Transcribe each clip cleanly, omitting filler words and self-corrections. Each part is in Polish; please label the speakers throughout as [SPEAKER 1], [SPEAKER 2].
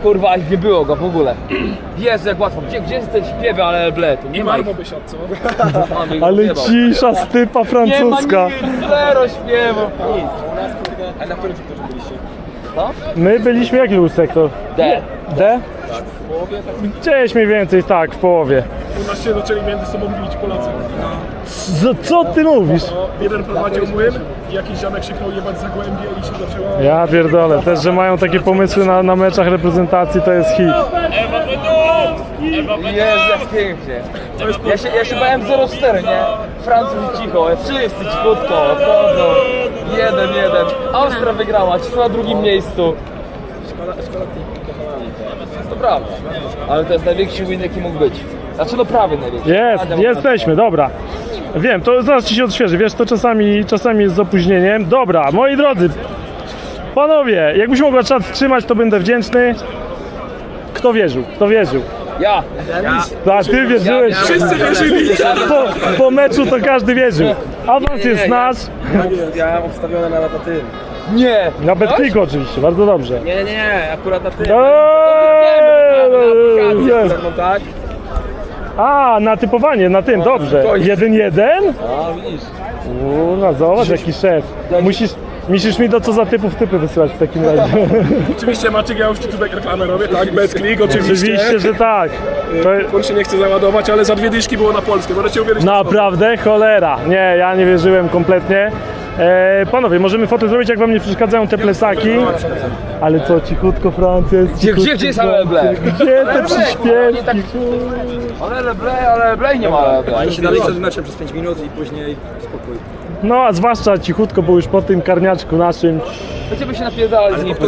[SPEAKER 1] kurwa, nie było go w ogóle. Jezu, jak łatwo. Gdzie jest ten śpiewy, ale ble, tu nie ma.
[SPEAKER 2] Marmo by siadł, co?
[SPEAKER 3] Ale cisza, stypa francuska.
[SPEAKER 1] Nie ma zero śpiewów.
[SPEAKER 2] A na którym sektorze byliście?
[SPEAKER 1] Co?
[SPEAKER 3] My byliśmy, jaki był sektor?
[SPEAKER 1] D.
[SPEAKER 3] D? Gdzieś mniej więcej, tak, w połowie.
[SPEAKER 2] U nas się zaczęli między sobą bić Polacy.
[SPEAKER 3] Co ty mówisz?
[SPEAKER 2] Jeden prowadził młyn i jakiś ziomek krzyknął jebać Zagłębie i się zaczęła...
[SPEAKER 3] Ja pierdolę, też, że mają takie pomysły na meczach reprezentacji, to jest hit.
[SPEAKER 1] Jezu, jak pięknie. Ja się bałem 0-4, nie? Francuzi cicho, wszyscy cichutko, odchodzą. 1-1. Austria wygrała, ci są na drugim miejscu. To prawda, ale to jest największy win, jaki mógł być. Znaczy no prawie największy.
[SPEAKER 3] Jesteśmy, dobra. Wiem, to zaraz ci się odświeży, wiesz, to czasami jest z opóźnieniem. Dobra, moi drodzy, panowie, jakbyś mogła czas wstrzymać, to będę wdzięczny. Kto wierzył? Kto wierzył?
[SPEAKER 1] Ja.
[SPEAKER 3] Tak, ty wierzyłeś.
[SPEAKER 2] Wszyscy wierzyli!
[SPEAKER 3] Po meczu to każdy wierzył. Awans jest nasz.
[SPEAKER 4] Ja obstawione na tym.
[SPEAKER 1] Nie.
[SPEAKER 3] Na Betclicku oczywiście, bardzo dobrze.
[SPEAKER 4] Nie, akurat na tym.
[SPEAKER 3] Jest.
[SPEAKER 4] Tak?
[SPEAKER 3] A, na typowanie, na tym, dobrze. 1-1?
[SPEAKER 1] A, widzisz.
[SPEAKER 3] No zobacz, jaki szef. Musisz mi do co za typów typy wysyłać w takim razie.
[SPEAKER 2] Oczywiście Maciek, ja już ci tutaj reklamę robię, tak? Betclick, oczywiście.
[SPEAKER 3] Oczywiście, że tak.
[SPEAKER 2] On się nie chce załadować, ale za 2 dyszki było na Polskę, możecie uwierzyć na
[SPEAKER 3] Naprawdę? Cholera. Nie, ja nie wierzyłem kompletnie. Panowie, możemy fotę zrobić, jak wam nie przeszkadzają te plecaki. Ale co, cichutko Francja jest cichutko.
[SPEAKER 1] Gdzie jest Aleble?
[SPEAKER 3] Gdzie te przyśpiewki?
[SPEAKER 1] Ale nie ma Aleble.
[SPEAKER 4] Oni się dalej przed meczem przez 5 minut i później spokój.
[SPEAKER 3] No, a zwłaszcza cichutko, bo już po tym karniaczku naszym.
[SPEAKER 1] Będziemy się napierdalać z nim.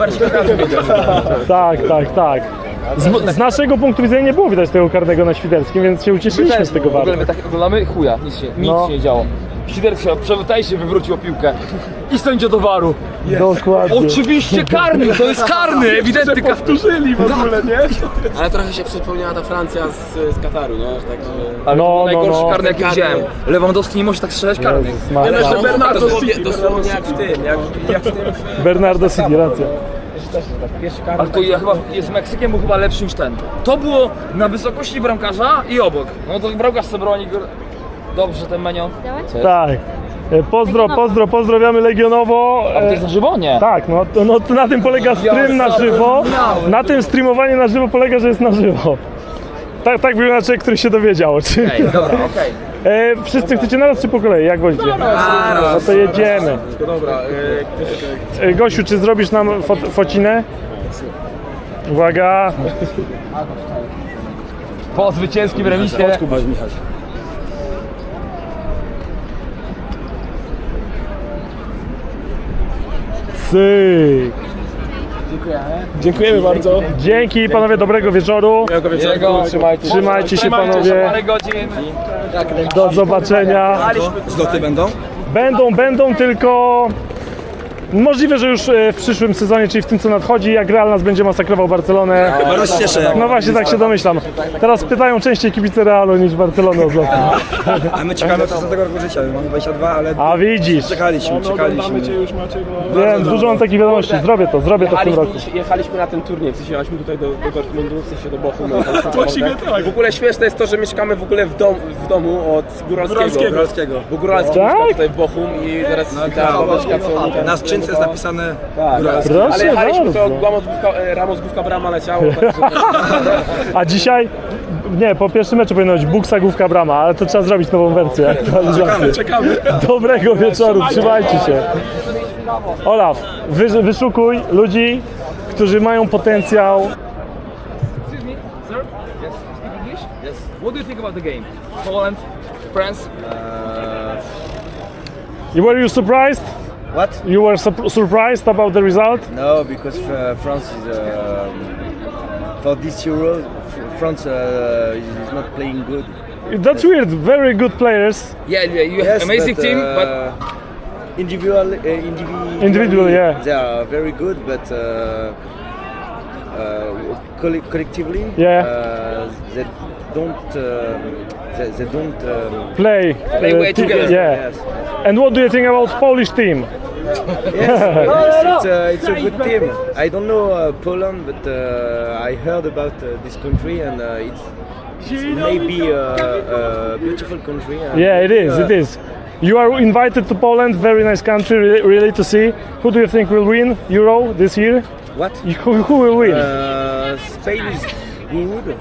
[SPEAKER 3] Tak. Z naszego punktu widzenia nie było widać tego karnego na Świderskim, więc się ucieszyliśmy z tego
[SPEAKER 1] W ogóle
[SPEAKER 3] bardzo.
[SPEAKER 1] my tak oglądamy chuja, nic się nie działo. Świderski się wywrócił piłkę i sędzia do waru.
[SPEAKER 3] Dokładnie.
[SPEAKER 1] Oczywiście karny, to jest karny, ewidentny.
[SPEAKER 2] Powtórzyli w ogóle, nie?
[SPEAKER 4] Ale trochę się przypomniała ta Francja z Kataru, nie? Także...
[SPEAKER 1] Ale
[SPEAKER 3] No,
[SPEAKER 1] najgorszy
[SPEAKER 3] no.
[SPEAKER 1] karny jaki widziałem. Lewandowski nie może tak strzelać karnych.
[SPEAKER 3] Jezus Maria.
[SPEAKER 2] Ale jeszcze Bernardo City.
[SPEAKER 4] Dosłownie jak w tym, jak w tym...
[SPEAKER 3] Bernardo City, racja.
[SPEAKER 1] Ale to ja chyba jest Meksykiem, był chyba lepszy niż ten. To było na wysokości bramkarza i obok. No to bramkarz sobie broni. Dobrze ten menio.
[SPEAKER 3] Tak. Pozdrawiamy Legionowo.
[SPEAKER 1] A to jest na żywo? Nie.
[SPEAKER 3] Tak, no to na tym polega stream na żywo. Na tym streamowanie na żywo polega, że jest na żywo. Tak był inaczej, który się dowiedział.
[SPEAKER 1] Okej, dobra, okej.
[SPEAKER 3] Wszyscy chcecie naraz czy po kolei? Jak wolicie? No to jedziemy.
[SPEAKER 4] Dobra,
[SPEAKER 3] Gosiu, czy zrobisz nam focinę? Uwaga.
[SPEAKER 1] Po zwycięskim remisie.
[SPEAKER 3] Cyk.
[SPEAKER 2] Dziękujemy bardzo.
[SPEAKER 3] Dzięki panowie, dobrego wieczoru.
[SPEAKER 1] Jego,
[SPEAKER 3] Trzymajcie się panowie.
[SPEAKER 1] Parę godzin.
[SPEAKER 3] Do zobaczenia.
[SPEAKER 4] zloty będą?
[SPEAKER 3] Będą tylko... Możliwe, że już w przyszłym sezonie, czyli w tym co nadchodzi, jak Real nas będzie masakrował Barcelonę.
[SPEAKER 4] Chyba rozcieszę.
[SPEAKER 3] No właśnie, tak się domyślam. Teraz pytają częściej kibice Realu niż Barcelony o zloty.
[SPEAKER 4] A my czekamy od 16 roku życia, mamy 22, ale
[SPEAKER 3] A widzisz.
[SPEAKER 4] czekaliśmy.
[SPEAKER 2] Oglądamy cię już, Maciek.
[SPEAKER 3] Wiem, dużo mam takich wiadomości. Zrobię to w tym roku.
[SPEAKER 5] Jechaliśmy na ten turniej, w sensie jechaliśmy tutaj do Dortmundu, w sensie do Bochumu.
[SPEAKER 2] Właściwie tak.
[SPEAKER 5] W ogóle śmieszne jest to, że mieszkamy w ogóle w domu od Góralskiego. Bo Góralski
[SPEAKER 3] Tak?
[SPEAKER 5] mieszka tutaj w Bochum i teraz ta babeczka, co
[SPEAKER 4] na skrzynce jest napisane
[SPEAKER 3] Proszę
[SPEAKER 5] ale jechaliśmy, to
[SPEAKER 3] bardzo.
[SPEAKER 5] Ramos główka brama leciało, także
[SPEAKER 3] A dzisiaj, nie, po pierwszym meczu powinno być Buksa, główka, brama, ale to trzeba zrobić nową wersję, aktualizację.
[SPEAKER 2] Czekamy.
[SPEAKER 3] Dobrego wieczoru, trzymajcie się. Olaf, wyszukuj ludzi, którzy mają potencjał.
[SPEAKER 1] Excuse me, sir? Yes. Speak English? Yes. What do you think about the game? Poland, France?
[SPEAKER 3] Were you surprised?
[SPEAKER 4] What?
[SPEAKER 3] You were surprised about the result?
[SPEAKER 4] No, because France is for this Euro, France is not playing good.
[SPEAKER 3] That's weird, very good players.
[SPEAKER 1] Yeah, you have amazing team, but
[SPEAKER 4] individually,
[SPEAKER 3] yeah.
[SPEAKER 4] they are very good, but collectively,
[SPEAKER 3] Yeah.
[SPEAKER 4] they don't. They don't
[SPEAKER 1] Play
[SPEAKER 3] Play
[SPEAKER 1] way together.
[SPEAKER 3] Yeah.
[SPEAKER 4] Yes.
[SPEAKER 3] And what do you think about Polish team?
[SPEAKER 4] It's a good team. I don't know Poland, but I heard about this country, and it's maybe a beautiful country. And
[SPEAKER 3] Yeah, it is. It is. You are invited to Poland. Very nice country, really to see. Who do you think will win Euro this year?
[SPEAKER 4] What?
[SPEAKER 3] Who will win?
[SPEAKER 4] Spain is good.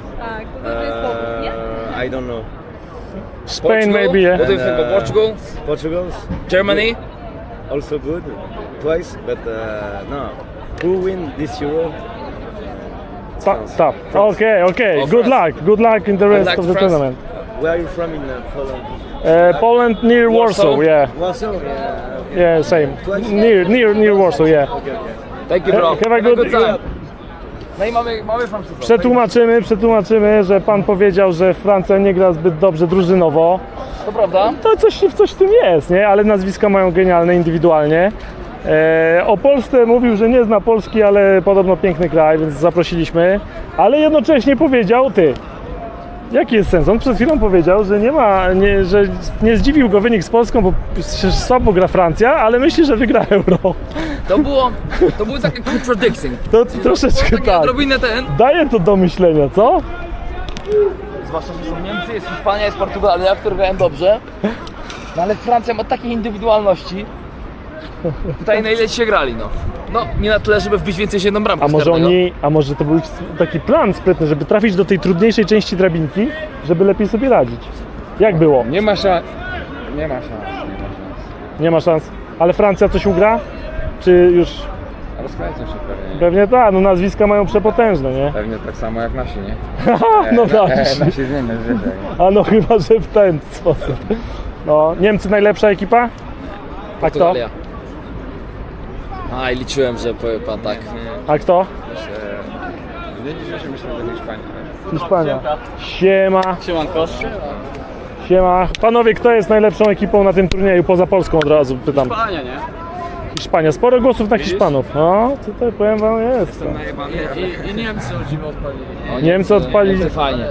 [SPEAKER 4] I don't know.
[SPEAKER 3] Spain, maybe. Yeah.
[SPEAKER 1] What do you think of Portugal?
[SPEAKER 4] Portugal
[SPEAKER 1] Germany?
[SPEAKER 4] also good twice, but no. Who win this Euro?
[SPEAKER 3] Tough. Okay.
[SPEAKER 1] Oh,
[SPEAKER 3] Good
[SPEAKER 1] France.
[SPEAKER 3] luck. Good luck in the rest
[SPEAKER 1] luck
[SPEAKER 3] of
[SPEAKER 1] to
[SPEAKER 3] the
[SPEAKER 1] France.
[SPEAKER 3] tournament.
[SPEAKER 4] Where are you from in Poland?
[SPEAKER 3] Poland near Warsaw. Yeah.
[SPEAKER 4] Warsaw. Yeah. Okay.
[SPEAKER 3] Yeah, same. Near Warsaw. Yeah.
[SPEAKER 1] Thank you, bro.
[SPEAKER 3] Have a good
[SPEAKER 1] time. No i mamy Francuzów.
[SPEAKER 3] Przetłumaczymy, że pan powiedział, że Francja nie gra zbyt dobrze drużynowo.
[SPEAKER 1] To prawda?
[SPEAKER 3] To coś w tym jest, nie? Ale nazwiska mają genialne indywidualnie. O Polsce mówił, że nie zna Polski, ale podobno piękny kraj, więc zaprosiliśmy. Ale jednocześnie powiedział, jaki jest sens? On przed chwilą powiedział, że że nie zdziwił go wynik z Polską, bo słabo gra Francja, ale myśli, że wygra Euro.
[SPEAKER 1] To było takie contradicting.
[SPEAKER 3] To troszeczkę
[SPEAKER 1] Takie
[SPEAKER 3] tak.
[SPEAKER 1] odrobinę
[SPEAKER 3] Daje to do myślenia, co?
[SPEAKER 1] Zwłaszcza, że są Niemcy, jest Hiszpania, jest Portugalia, które grają dobrze. No ale Francja ma takie indywidualności. Tutaj na ile się grali, no. No, nie na tyle, żeby wbić więcej niż jedną bramkę.
[SPEAKER 3] A może to był taki plan sprytny, żeby trafić do tej trudniejszej części drabinki, żeby lepiej sobie radzić. Jak było?
[SPEAKER 1] Nie ma szans.
[SPEAKER 3] Nie ma szans. Ale Francja coś ugra? Czy już...
[SPEAKER 6] Rozkręcą się pewnie.
[SPEAKER 3] Pewnie tak, no nazwiska mają przepotężne, nie?
[SPEAKER 6] Pewnie tak samo jak nasi, nie?
[SPEAKER 3] No tak.
[SPEAKER 6] Nasi zmienią zwyczaj.
[SPEAKER 3] A no chyba, że w ten sposób. No, Niemcy najlepsza ekipa? A kto?
[SPEAKER 1] Portugalia. A i liczyłem, że powie pan tak.
[SPEAKER 3] A kto?
[SPEAKER 6] Nie dzisiaj się myślę do Hiszpanii.
[SPEAKER 3] Hiszpania. Siema.
[SPEAKER 1] Siemanko.
[SPEAKER 3] Siema. Panowie, kto jest najlepszą ekipą na tym turnieju? Poza Polską od razu pytam.
[SPEAKER 1] Hiszpania, nie?
[SPEAKER 3] Hiszpania. Sporo głosów na Hiszpanów. No, tutaj powiem wam jest.
[SPEAKER 2] I Niemcy o dziwo odpalili.
[SPEAKER 3] Niemcy odpalili.
[SPEAKER 1] Fajnie.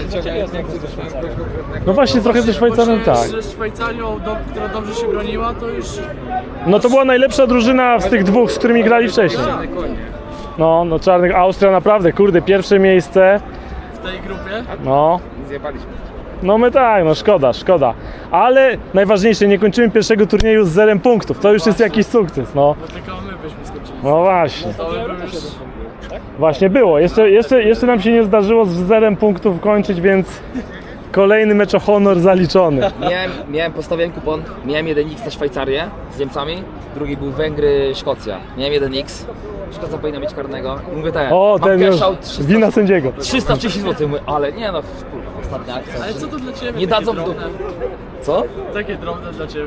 [SPEAKER 3] No właśnie, trochę ze Szwajcarem tak.
[SPEAKER 2] Z Szwajcarią, która dobrze się broniła, to już
[SPEAKER 3] No to była najlepsza drużyna z tych dwóch, z którymi grali wcześniej. No czarnych. Austria naprawdę, kurde, pierwsze miejsce.
[SPEAKER 2] w tej grupie.
[SPEAKER 3] No.
[SPEAKER 6] Zjebaliśmy.
[SPEAKER 3] No my tak, no szkoda. Ale najważniejsze, nie kończymy pierwszego turnieju z 0 punktów. To już jest jakiś sukces, no.
[SPEAKER 2] Tylko my byśmy skończyli.
[SPEAKER 3] No właśnie.
[SPEAKER 2] To by był już...
[SPEAKER 3] Właśnie było. Jeszcze nam się nie zdarzyło z 0 punktów kończyć, więc kolejny mecz o honor zaliczony.
[SPEAKER 1] Miałem postawiłem kupon, miałem 1x na Szwajcarię z Niemcami, drugi był Węgry, Szkocja. Miałem 1x, Szkocja powinna mieć karnego. Mówię tak,
[SPEAKER 3] O,
[SPEAKER 1] mam
[SPEAKER 3] ten już.
[SPEAKER 1] cash out 300,
[SPEAKER 3] Wina sędziego.
[SPEAKER 1] 330 zł, mówię, ale nie no, kurwa, ostatnia akcja.
[SPEAKER 2] Ale co to dla Ciebie?
[SPEAKER 1] Nie
[SPEAKER 2] takie
[SPEAKER 1] dadzą
[SPEAKER 2] drobne?
[SPEAKER 1] Co?
[SPEAKER 2] Takie drobne dla Ciebie.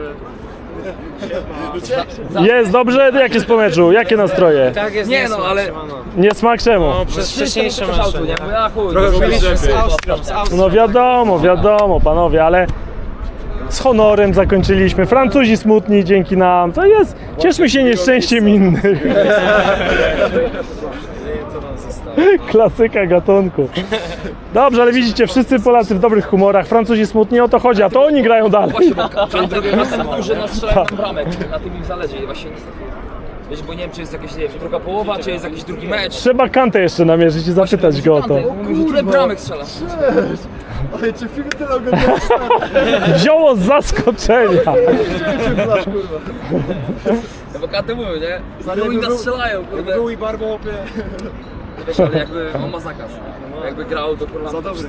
[SPEAKER 3] Jest dobrze? Jak jest po meczu? Jakie nastroje?
[SPEAKER 5] Tak jest,
[SPEAKER 1] Nie no, ale
[SPEAKER 3] Nie smak czemu?
[SPEAKER 5] przez wcześniejsze
[SPEAKER 1] cash outu, nie? Mówię, a chuj,
[SPEAKER 5] z Austrią.
[SPEAKER 3] No wiadomo panowie, ale z honorem zakończyliśmy. Francuzi smutni dzięki nam. To jest. Cieszmy się nieszczęściem innych. Klasyka gatunku. Dobrze, ale widzicie, wszyscy Polacy w dobrych humorach. Francuzi smutni, o to chodzi, a to oni grają dalej.
[SPEAKER 1] Właśnie, bo drugi raz duży nastrzelają nam bramek, na tym im zależy i właśnie... Wiesz, bo nie wiem, czy jest jakaś, nie wiem, druga połowa, czy jest jakiś drugi mecz.
[SPEAKER 3] Trzeba Kantę jeszcze namierzyć i zapytać go o to.
[SPEAKER 1] Kurde, bramek strzela.
[SPEAKER 3] Wzięło z zaskoczenia.
[SPEAKER 1] No bo Kanty mówią, nie? No oni nas strzelają, kurde. Był i Barbo, wiesz, ale jakby on ma zakaz. Jakby grał, to kurwa... Za dobry.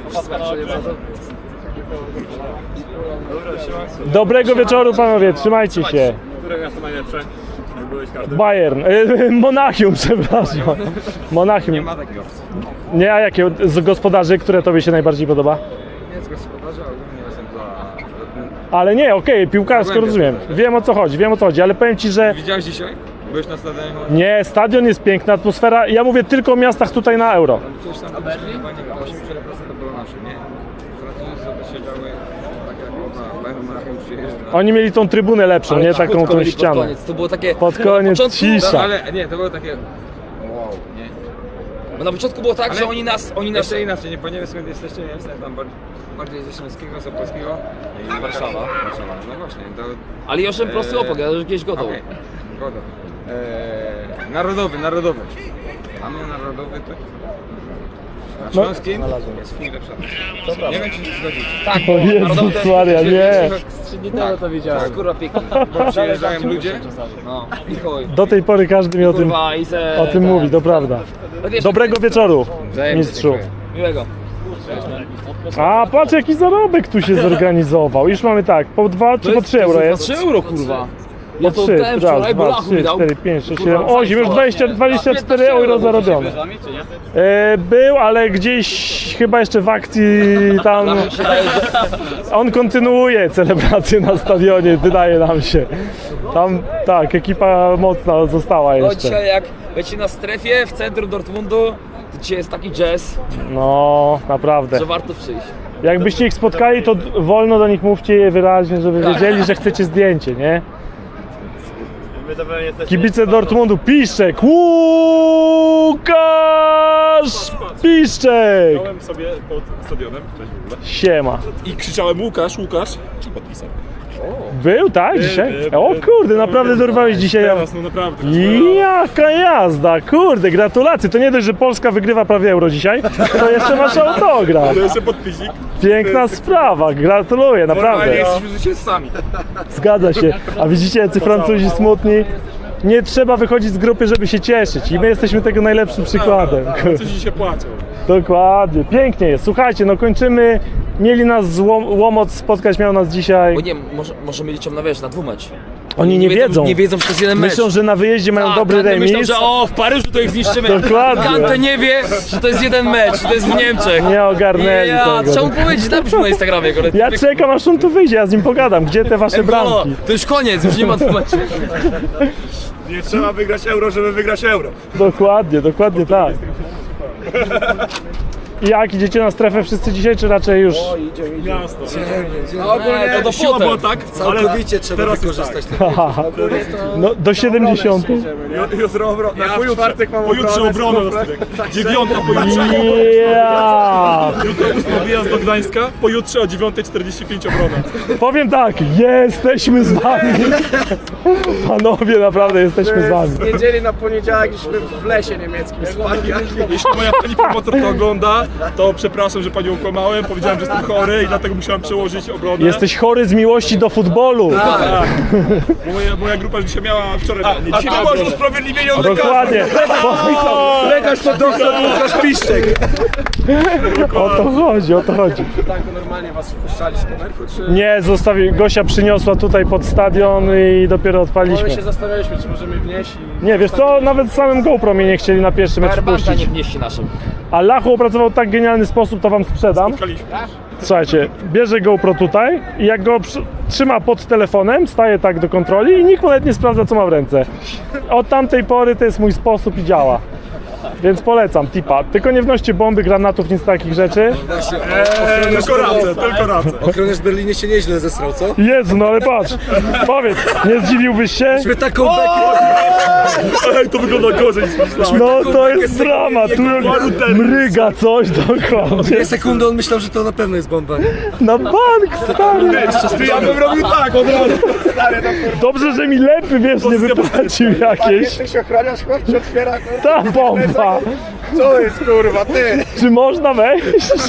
[SPEAKER 3] Dobrego wieczoru panowie, trzymajcie się.
[SPEAKER 2] Które miasto najlepsze? Byłeś karty.
[SPEAKER 3] Bayern, Monachium, przepraszam. Monachium.
[SPEAKER 6] Nie ma takiego.
[SPEAKER 3] Nie, a jakie z gospodarzy, które tobie się najbardziej podoba?
[SPEAKER 6] Nie z gospodarza, ogólnie jestem za...
[SPEAKER 3] Ale nie, okej, piłkarsko rozumiem. Wiem o co chodzi, ale powiem ci, że
[SPEAKER 6] Widziałeś dzisiaj? Byłeś na stadionie?
[SPEAKER 3] nie, stadion jest piękna, atmosfera. Ja mówię tylko o miastach tutaj na Euro.
[SPEAKER 6] Przecież tam chyba nie wiem, 80% to było nasze, nie? Francuzi sobie siedziały, tak jak ona, Bayern Monachium przyjeżdża.
[SPEAKER 3] Oni mieli tą trybunę lepszą, nie taką
[SPEAKER 1] Krótko
[SPEAKER 3] tą
[SPEAKER 1] byli pod
[SPEAKER 3] ścianę.
[SPEAKER 1] koniec, to było takie...
[SPEAKER 3] Pod
[SPEAKER 1] na
[SPEAKER 3] koniec
[SPEAKER 1] początku-
[SPEAKER 3] cisza.
[SPEAKER 6] No, ale nie, to było takie... Wow, nie?
[SPEAKER 1] Bo na początku było tak,
[SPEAKER 6] Ale
[SPEAKER 1] że oni nas...
[SPEAKER 6] Jeszcze inaczej, nie wiem skąd jesteście, nie jestem tam bardziej ze Śląskiego, z Opolskiego. I Warszawa. No właśnie, to...
[SPEAKER 1] Ale już prosty opok, ja już gdzieś gotowy.
[SPEAKER 6] Okej. Szkoda. Narodowy. A my narodowy to... Na Śląskim jest chwilę przed. Nie wiem, czy się zgodzicie.
[SPEAKER 1] Tak,
[SPEAKER 3] O Jezus Maria, nie.
[SPEAKER 1] 3 dni temu to widziałem. Skóra piękna.
[SPEAKER 6] Bo przyjeżdżają ludzie.
[SPEAKER 1] No, i chuj.
[SPEAKER 3] Do tej pory każdy mi o tym,
[SPEAKER 1] Kurwa, i se...
[SPEAKER 3] o tym mówi, to prawda. Dobrego wieczoru,
[SPEAKER 6] Wzajemnie,
[SPEAKER 3] mistrzu.
[SPEAKER 6] dziękuję.
[SPEAKER 1] Miłego.
[SPEAKER 3] A patrz jaki zarobek tu się zorganizował. Już mamy tak, po 2 czy po 3 euro jest?
[SPEAKER 1] 3 euro, kurwa.
[SPEAKER 3] Po
[SPEAKER 1] Ja to
[SPEAKER 3] 3,
[SPEAKER 1] dałem
[SPEAKER 3] raz,
[SPEAKER 1] wczoraj, bo
[SPEAKER 3] 2,
[SPEAKER 1] Lachu mi
[SPEAKER 3] 3,
[SPEAKER 1] dał.
[SPEAKER 3] 4, 5, 6,
[SPEAKER 1] Kurwa,
[SPEAKER 3] 7, 8, już 24 euro zarobione. Był, ale gdzieś chyba jeszcze w akcji tam... On kontynuuje celebrację na stadionie, wydaje nam się. Tam, tak, ekipa mocna została
[SPEAKER 1] No
[SPEAKER 3] jeszcze.
[SPEAKER 1] dzisiaj jak leci na strefie w centrum Dortmundu, to dzisiaj jest taki jazz,
[SPEAKER 3] No, naprawdę.
[SPEAKER 1] że warto przyjść.
[SPEAKER 3] Jakbyście ich spotkali, to wolno do nich mówcie je wyraźnie, żeby wiedzieli, że chcecie zdjęcie, nie? Kibice Dortmundu, Piszczek! Łukasz Piszczek!
[SPEAKER 2] Byłem sobie pod stadionem, cześć w ogóle,
[SPEAKER 3] Siema.
[SPEAKER 2] i krzyczałem Łukasz i podpisał.
[SPEAKER 3] Był, tak, dzisiaj?
[SPEAKER 2] był.
[SPEAKER 3] O kurde, naprawdę dorwałeś dzisiaj.
[SPEAKER 2] Teraz, no naprawdę.
[SPEAKER 3] Jaka jazda, kurde, gratulacje. To nie dość, że Polska wygrywa prawie euro dzisiaj, to jeszcze masz autograf.
[SPEAKER 2] To jeszcze podpisik.
[SPEAKER 3] Piękna sprawa, gratuluję, naprawdę.
[SPEAKER 6] Jesteśmy zwycięzcami.
[SPEAKER 3] Zgadza się. A widzicie, jacy Francuzi smutni? Nie trzeba wychodzić z grupy, żeby się cieszyć. I my jesteśmy tego najlepszym przykładem.
[SPEAKER 2] Coś dzisiaj płaczą.
[SPEAKER 3] Dokładnie. Pięknie jest. Słuchajcie, no kończymy. Mieli nas Łomot spotkać, miał nas dzisiaj.
[SPEAKER 1] Bo nie, może liczą na wiesz, na dwumecz.
[SPEAKER 3] Oni nie wiedzą.
[SPEAKER 1] Nie wiedzą, że to jest jeden mecz.
[SPEAKER 3] Myślą, że na wyjeździe mają dobry
[SPEAKER 1] Kante
[SPEAKER 3] remis.
[SPEAKER 1] myślą, że w Paryżu to ich zniszczymy.
[SPEAKER 3] Dokładnie.
[SPEAKER 1] Kante nie wie, że to jest jeden mecz, że to jest w Niemczech.
[SPEAKER 3] Nie ogarnęli
[SPEAKER 1] Ja,
[SPEAKER 3] tego.
[SPEAKER 1] trzeba mu powiedzieć, napisz mu na Instagramie.
[SPEAKER 3] Ja czekam, aż on tu wyjdzie, ja z nim pogadam. Gdzie te wasze bramki?
[SPEAKER 1] To już koniec, już nie ma dwumeczu.
[SPEAKER 2] Nie trzeba wygrać euro, żeby wygrać euro.
[SPEAKER 3] Dokładnie tak. I jak idziecie na strefę wszyscy dzisiaj, czy raczej już?
[SPEAKER 2] Miasto.
[SPEAKER 1] Ogólnie to do
[SPEAKER 2] Siła była
[SPEAKER 1] potem.
[SPEAKER 2] tak, całkowicie trzeba teraz wykorzystać tak.
[SPEAKER 3] No, do 70.
[SPEAKER 2] Jutro obrona. Pojutrze obrona. 9 pojutrze.
[SPEAKER 3] Ja!
[SPEAKER 2] Jutro 8 wyjazd do Gdańska, pojutrze o 9:45 obrona.
[SPEAKER 3] Powiem tak, jesteśmy z wami. Panowie, naprawdę jesteśmy z wami.
[SPEAKER 5] Niedzieli na poniedziałek żeśmy w lesie niemieckim spali.
[SPEAKER 2] Jeśli moja pani promotor to ogląda, to przepraszam, że panią okłamałem. Powiedziałem, że jestem chory i dlatego musiałem przełożyć obronę.
[SPEAKER 3] Jesteś chory z miłości do futbolu.
[SPEAKER 2] Tak. Moja grupa dzisiaj miała wczoraj. A ty masz usprawiedliwienie od
[SPEAKER 3] Dokładnie.
[SPEAKER 5] Lekarz to doktor Łukasz Piszczek.
[SPEAKER 3] O to chodzi, o to chodzi.
[SPEAKER 5] Tak, normalnie was wpuszczali z kamerku, czy...
[SPEAKER 3] Nie, Gosia przyniosła tutaj pod stadion i dopiero
[SPEAKER 5] My
[SPEAKER 3] odpaliśmy.
[SPEAKER 5] się zastanawialiśmy, czy możemy wnieść i...
[SPEAKER 3] Nie, wiesz co, nawet samym GoPro mnie nie chcieli na pierwszy mecz
[SPEAKER 1] Powerbanka
[SPEAKER 3] wpuścić.
[SPEAKER 1] nie wnieści naszym.
[SPEAKER 3] A Lachu opracował tak genialny sposób, to wam sprzedam. Słuchajcie, bierze GoPro tutaj i jak go trzyma pod telefonem, staje tak do kontroli i nikt nawet nie sprawdza, co ma w ręce. Od tamtej pory to jest mój sposób i działa. Więc polecam, tipa. Tylko nie wnoście bomby, granatów, nic takich rzeczy.
[SPEAKER 2] Tylko racę.
[SPEAKER 5] Ochroniarz w Berlinie się nieźle zesrał, co?
[SPEAKER 3] Jezu, no ale patrz, powiedz, nie zdziwiłbyś się?
[SPEAKER 5] My taką bekę...
[SPEAKER 2] Ej, to wygląda gorzej niż myślałem.
[SPEAKER 3] No to jest drama, tu mryga coś dokładnie.
[SPEAKER 5] Sekundę on myślał, że to na pewno jest bomba.
[SPEAKER 3] Na bank, stary.
[SPEAKER 2] Ja bym robił tak od razu.
[SPEAKER 3] Dobrze, że mi lepy, wiesz, nie wypłacił jakieś.
[SPEAKER 5] Jesteś ochroniarz, chłop się otwiera.
[SPEAKER 3] Ta bomba.
[SPEAKER 5] Co jest, kurwa, ty?
[SPEAKER 3] Czy można wejść?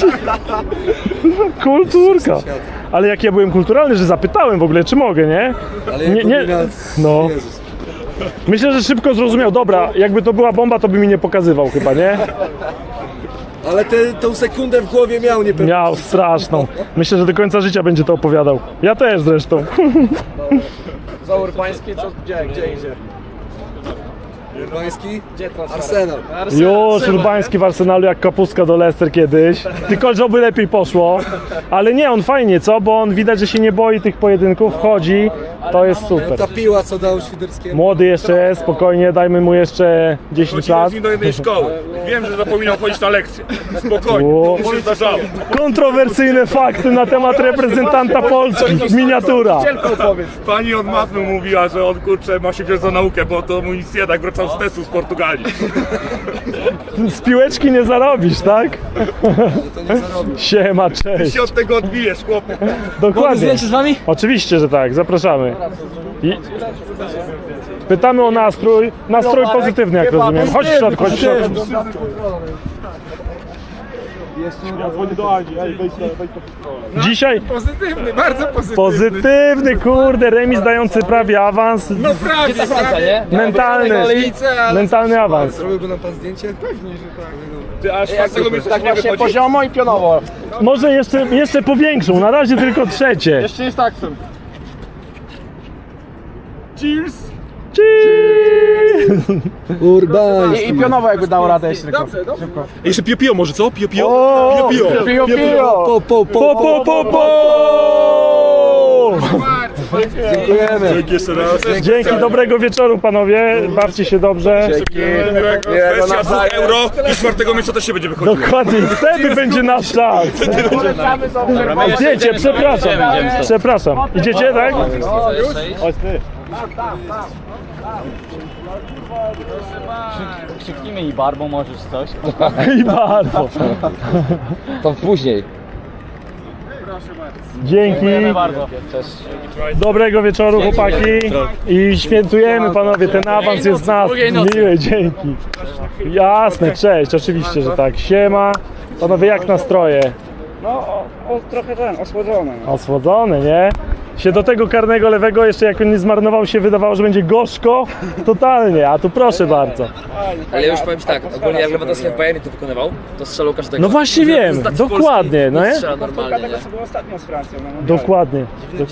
[SPEAKER 3] Kulturka. Ale jak ja byłem kulturalny, że zapytałem w ogóle, czy mogę, nie? Nie. No. Myślę, że szybko zrozumiał. Dobra, jakby to była bomba, to by mi nie pokazywał chyba, nie?
[SPEAKER 5] Ale tą sekundę w głowie miał niepewnie.
[SPEAKER 3] Miał straszną. Myślę, że do końca życia będzie to opowiadał. Ja też zresztą.
[SPEAKER 5] Za Urbański, co? Gdzie idzie? Urbański? Gdzie Arsenal.
[SPEAKER 3] Już Urbański w Arsenalu jak kapustka do Leicester kiedyś. Tylko żeby lepiej poszło. Ale nie, on fajnie, co? Bo on widać, że się nie boi tych pojedynków, chodzi. To jest super.
[SPEAKER 5] Ta piła, co dał Świderskiemu.
[SPEAKER 3] Młody jeszcze jest, spokojnie, dajmy mu jeszcze 10 lat.
[SPEAKER 2] Z nim do jednej szkoły. Wiem, że zapominał chodzić na lekcję. Spokojnie,
[SPEAKER 3] O.
[SPEAKER 2] to się zdarzało.
[SPEAKER 3] Kontrowersyjne fakty na temat reprezentanta Polski. Miniatura.
[SPEAKER 2] Pani od matmy mówiła, że on kurczę ma się wziąć za naukę, bo to mu nic nie tak wracał z testu z Portugalii.
[SPEAKER 3] Z piłeczki nie zarobisz, tak? Siema, cześć.
[SPEAKER 2] Się od tego odbijesz, chłopie.
[SPEAKER 3] Dokładnie.
[SPEAKER 1] Zdjęcie z wami?
[SPEAKER 3] Oczywiście, że tak, zapraszamy. I... Pytamy o nastrój. Nastrój pozytywny, jak rozumiem. Chodź w środku, chodź w środku.
[SPEAKER 2] Ja dzwonię do Agi, ej, wejdź to.
[SPEAKER 3] Dzisiaj
[SPEAKER 6] Pozytywny, bardzo pozytywny.
[SPEAKER 3] pozytywny, kurde, remis dający prawie awans.
[SPEAKER 6] No prawie,
[SPEAKER 1] Gdzie ta Francja, nie?
[SPEAKER 3] Mentalny, mentalny awans.
[SPEAKER 6] Zrobiłby nam pan zdjęcie? Pewnie, że tak. No.
[SPEAKER 2] Ty aż czwartego miejsca
[SPEAKER 5] Tak
[SPEAKER 2] nie
[SPEAKER 5] właśnie
[SPEAKER 2] wychodzi.
[SPEAKER 5] poziomo i pionowo.
[SPEAKER 3] Może jeszcze powiększą, na razie tylko trzecie.
[SPEAKER 5] Jeszcze jest taksem.
[SPEAKER 2] Cheers!
[SPEAKER 5] I pionowo jakby dał radę jeszcze tylko.
[SPEAKER 2] Jeszcze pio może co? Pio.
[SPEAKER 5] Pio, pio.
[SPEAKER 3] Po.
[SPEAKER 2] Dzięki jeszcze raz.
[SPEAKER 3] Dzięki, dobrego wieczoru panowie, bawcie się dobrze.
[SPEAKER 2] Kwestia 2 euro i czwartego miejsca też się będzie wychodziło.
[SPEAKER 3] Dokładnie, wtedy będzie nasz czas. Zdjęcie, przepraszam. Idziecie, tak? Chodź ty.
[SPEAKER 7] Krzyknijmy i barbą możesz coś.
[SPEAKER 3] I bardzo.
[SPEAKER 1] To później.
[SPEAKER 3] Dzięki.
[SPEAKER 7] Bardzo.
[SPEAKER 3] Dobrego wieczoru, chłopaki. I świętujemy, panowie, ten awans jest z nas. Miły, dzięki. Jasne, cześć, oczywiście, że tak. Siema. Panowie, jak nastroje?
[SPEAKER 5] No, trochę osłodzony.
[SPEAKER 3] Osłodzone, nie? Się do tego karnego lewego jeszcze jak on nie zmarnował się wydawało, że będzie gorzko. Totalnie, a tu proszę bardzo.
[SPEAKER 1] Ale ja już powiem ci tak, ogólnie jak Lewandowski w Bayernie to wykonywał, to strzelał każdego.
[SPEAKER 3] No właśnie wiem,
[SPEAKER 1] Z tacy
[SPEAKER 3] dokładnie,
[SPEAKER 1] Polski
[SPEAKER 3] no nie?
[SPEAKER 1] strzela normalnie, nie?
[SPEAKER 5] co było ostatnio z Francją.
[SPEAKER 3] Dokładnie.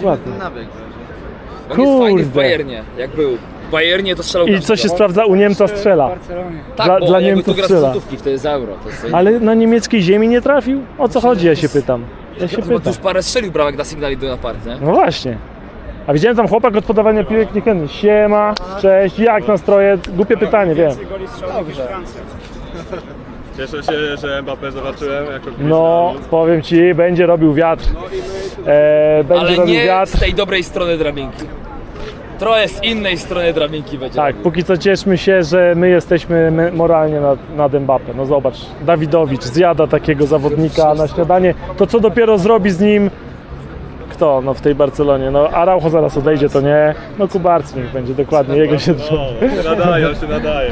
[SPEAKER 1] On jest fajny w
[SPEAKER 3] Kurde.
[SPEAKER 1] Bayernie, jak był. W Bayernie to strzelał
[SPEAKER 3] I co się sprawdza? U Niemca strzela.
[SPEAKER 1] Tak,
[SPEAKER 3] dla-
[SPEAKER 1] bo
[SPEAKER 3] dla
[SPEAKER 1] jakby
[SPEAKER 3] Niemców
[SPEAKER 1] tu gra z
[SPEAKER 3] strzela.
[SPEAKER 1] złotówki, wtedy z euro. To jest
[SPEAKER 3] Ale na niemieckiej ziemi nie trafił? O co chodzi, ja się pytam. Ja się
[SPEAKER 1] Bo tu
[SPEAKER 3] pytam.
[SPEAKER 1] już parę strzelił bramek na Signali do Park, nie?
[SPEAKER 3] No właśnie. A widziałem tam chłopak od podawania piłek niekenny. Siema, cześć, jak nastroje? Głupie pytanie, wiem.
[SPEAKER 2] Cieszę się, że Mbappé zobaczyłem jako
[SPEAKER 3] No, powiem ci, będzie robił wiatr. Będzie
[SPEAKER 1] Ale
[SPEAKER 3] robił
[SPEAKER 1] nie
[SPEAKER 3] wiatr.
[SPEAKER 1] z tej dobrej strony drabinki. Trochę z innej strony drabinki będzie.
[SPEAKER 3] Tak, póki co cieszmy się, że my jesteśmy moralnie nad Mbappé. No zobacz, Dawidowicz zjada takiego zawodnika na śniadanie. To co dopiero zrobi z nim kto no w tej Barcelonie? No Araujo zaraz odejdzie, to nie. No Kubarski niech będzie, dokładnie, jego się
[SPEAKER 2] Nadaje, on się nadaje.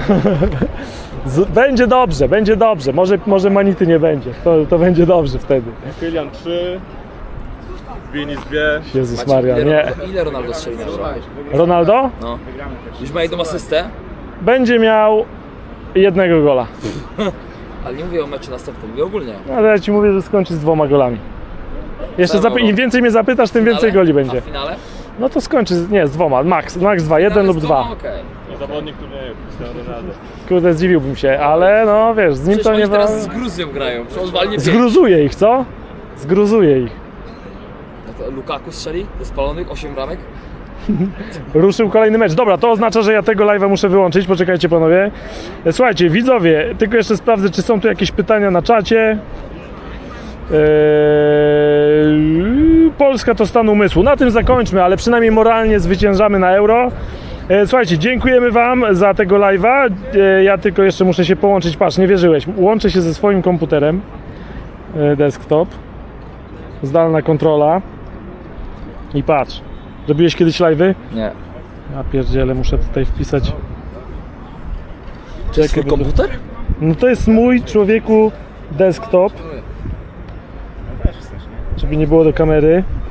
[SPEAKER 3] Będzie dobrze. Może Manity nie będzie. To będzie dobrze wtedy.
[SPEAKER 2] Kylian 3, Vini 2.
[SPEAKER 3] Jezus Maria, nie.
[SPEAKER 1] Ile Ronaldo strzeli na euro?
[SPEAKER 3] Ronaldo
[SPEAKER 1] No. Już ma jedną asystę,
[SPEAKER 3] będzie miał jednego gola.
[SPEAKER 1] ale nie mówię o meczu następnym, mówię ogólnie.
[SPEAKER 3] Ale ja ci mówię, że skończy z 2 golami. Jeszcze im więcej mnie zapytasz, tym więcej goli będzie.
[SPEAKER 1] A w finale?
[SPEAKER 3] No to skończy, nie, z 2, max 2, 1 lub 2.
[SPEAKER 1] Okej.
[SPEAKER 2] Zawodnik turnieju, Cristiano Ronaldo.
[SPEAKER 3] Kurde, zdziwiłbym się, ale no wiesz, z nim
[SPEAKER 1] Przecież
[SPEAKER 3] to
[SPEAKER 1] oni
[SPEAKER 3] nie
[SPEAKER 1] teraz z Gruzją grają, przecież on walnie 5.
[SPEAKER 3] Zgruzuje ich, co? Zgruzuje ich.
[SPEAKER 1] No to Lukaku strzeli ze spalonych 8 bramek.
[SPEAKER 3] Ruszył kolejny mecz. Dobra, to oznacza, że ja tego live'a muszę wyłączyć. Poczekajcie panowie. Słuchajcie, widzowie, tylko jeszcze sprawdzę, czy są tu jakieś pytania na czacie. Polska to stan umysłu. Na tym zakończmy, ale przynajmniej moralnie zwyciężamy na Euro. Słuchajcie, dziękujemy wam za tego live'a. Ja tylko jeszcze muszę się połączyć. Patrz, nie wierzyłeś. Łączę się ze swoim komputerem. Desktop. Zdalna kontrola. I patrz. Robiłeś kiedyś live'y?
[SPEAKER 1] Nie.
[SPEAKER 3] Ja pierdzielę, muszę tutaj wpisać.
[SPEAKER 1] To jest twój komputer?
[SPEAKER 3] No to jest mój, człowieku, desktop. Żeby nie było do kamery.